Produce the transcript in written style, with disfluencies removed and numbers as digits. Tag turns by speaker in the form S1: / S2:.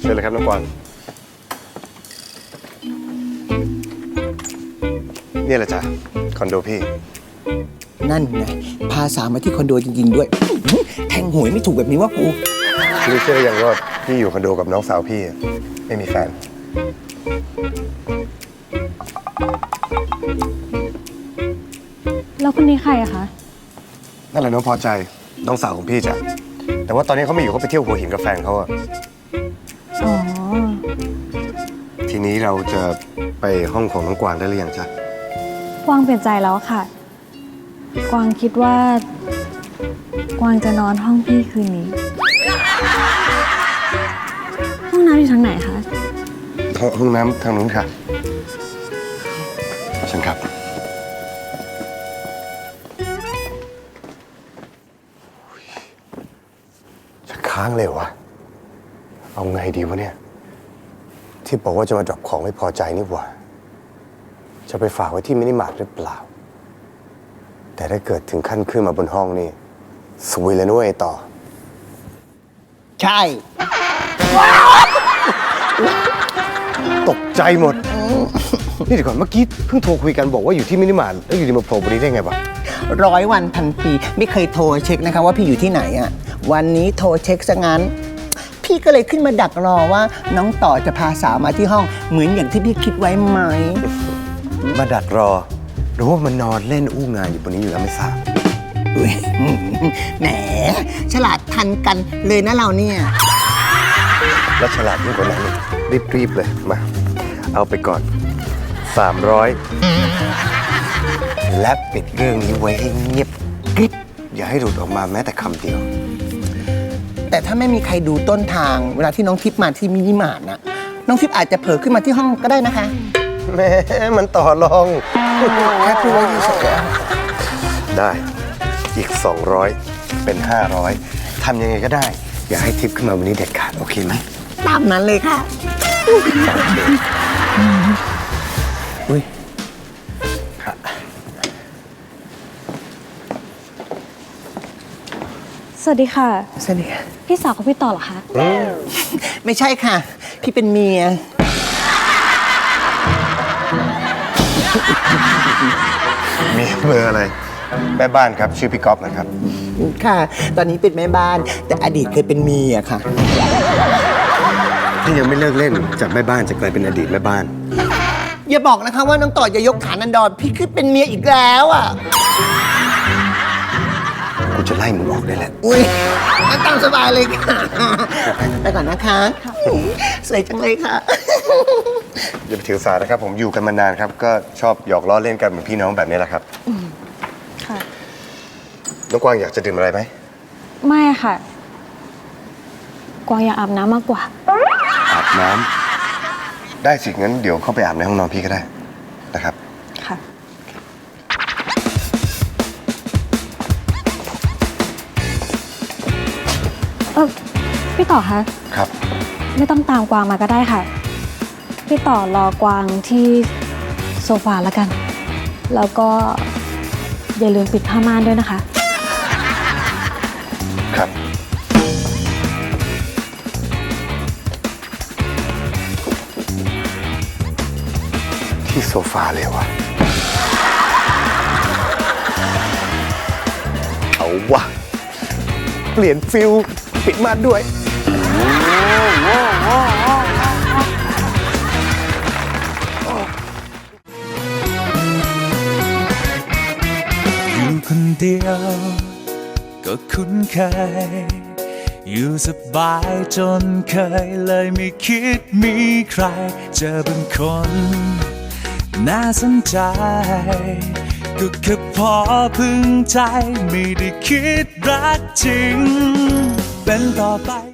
S1: ชิญเลยครับน้องกวางนี่แหละจ้ะคอนโดพี่
S2: นั่นไงพาสาวมาที่คอนโดจริงๆด้วยแทงหวยไม่ถูกแบบนี้ว่ากู
S1: พี่เชื่อยังว่าพี่อยู่คอนโดกับน้องสาวพี่ไม่มีแฟน
S3: แล้วคนนี้ใครอะคะ
S1: นั่นแหละน้องพอใจน้องสาวของพี่จ้ะแต่ว่าตอนนี้เขาไม่อยู่เขาไปเที่ยวหัวหินกับแฟนเขาอะ
S3: อ๋อ
S1: ทีนี้เราจะไปห้องของน้องกวางได้หรือยังจ๊ะ
S3: กวางเปลี่ยนใจแล้วค่ะ กวางคิดว่า กวางจะนอนห้องพี่คืนนี้ ห้องน้ำอยู่ทางไหนคะ
S1: ห้องน้ำทางนู้นค่ะเชิญครับจะค้างเลยวะเอาไงดีวะเนี่ยที่บอกว่าจะมาดรอปของไม่พอใจนี่หว่าจะไปฝากไว้ที่มินิมาร์ทหรือเปล่าแต่ถ้าเกิดถึงขั้นขึ้นมาบนห้องนี่สวยเลยนุ้ยต่อ
S2: ใช่
S1: ตกใจหมดนี่เดี๋ยวก่อนเมื่อกี้เพิ่งโทรคุยกันบอกว่าอยู่ที่มินิมาร์ทแล้วอยู่ดีมาโผล่บนนี้ได้ไงวะ
S2: 100 วันพันปีไม่เคยโทรเช็คนะคะว่าพี่อยู่ที่ไหนอ่ะวันนี้โทรเช็คซะงั้นพี่ก็เลยขึ้นมาดักรอว่าน้องต่อจะพาสาวมาที่ห้องเหมือนอย่างที่พี่คิดไว้ไหม
S1: มาดักรอหรือว่ามันนอนเล่นอู้งานอยู่บนนี้อยู่แล้วไม่ทราบ
S2: แหมฉลาดทันกันเลยนะเราเนี่ย
S1: แล้วฉลาดยิ่งกว่านั้นรีบเลยมาเอาไปก่อน300และปิดเรื่องนี้ไว้ให้เงียบกริบอย่าให้หลุดออกมาแม้แต่คำเดียว
S2: แต่ถ้าไม่มีใครดูต้นทางเวลาที่น้องทิพย์มาที่มินิมาร์ทนะน้องทิพย์อาจจะเผลอขึ้นมาที่ห้องก็ได้นะคะ
S1: แม่มันต่อรอง
S2: แค่พูดว่าเฉย
S1: ๆได้อีก200เป็น500ทำยังไงก็ได้อย่าให้ทิพย์ขึ้นมาวันนี้เด็ดขาดโอเคไหม
S2: ตามนั้นเลยค่ะอุ้ย
S3: สวัสดีค่ะ
S2: สวัสดีค่ะ
S3: พี่สาวของพี่ต่อเหรอคะ
S2: ไม่ใช่ค่ะพี่เป็นเมีย
S1: มีเบอร์อะไรแม่บ้านครับชื่อพี่ก๊อฟนะครับ
S2: ค่ะตอนนี้เป็นแม่บ้านแต่อดีตเคยเป็นเมียค่ะ
S1: ที่ยังไม่เลิกเล่นจากแม่บ้านจะกลายเป็นอดีตแม่บ้าน
S2: อย่าบอกนะคะว่าน้องต่อจะยกฐานันดรพี่คือเป็นเมียอีกแล้วอ่ะ
S1: กูจะไล่มึงออกได้แหละ
S2: อุ้ยตามสบายเลยค่ะไปก่อนนะคะสวยจังเลยค่ะ
S1: อย่าไปถือสานะครับผมอยู่กันมานานครับก็ชอบหยอกล้อเล่นกันเหมือนพี่น้องแบบนี้แหละครับ
S3: ค่ะ
S1: น้องกวางอยากจะดื่มอะไรไหม
S3: ไม่ค่ะกวางอยากอาบน้ำมากกว่า
S1: อาบน้ำได้สิงั้นเดี๋ยวเข้าไปอาบในห้องนอนพี่ก็ได้นะครับ
S3: ค่ะพี่ต่อคะ
S1: ครับ
S3: ไม่ต้องตามกวางมาก็ได้ค่ะพี่ต่อรอกวางที่โซฟาแล้วกันแล้วก็อย่าลืมปิดผ้าม่านด้วยนะคะ
S1: ครับที่โซฟาเลยวะเอาวะเปลี่ยนฟิลปิดม่านด้วย
S4: อยู่คนเดียวก็คุ้นเคยอยู่สบายจนเคยเลยไม่คิดมีใครเจอเป็นคนน่าสนใจก็แค่พอพึงใจไม่ได้คิดรักจริงเป็นต่อไป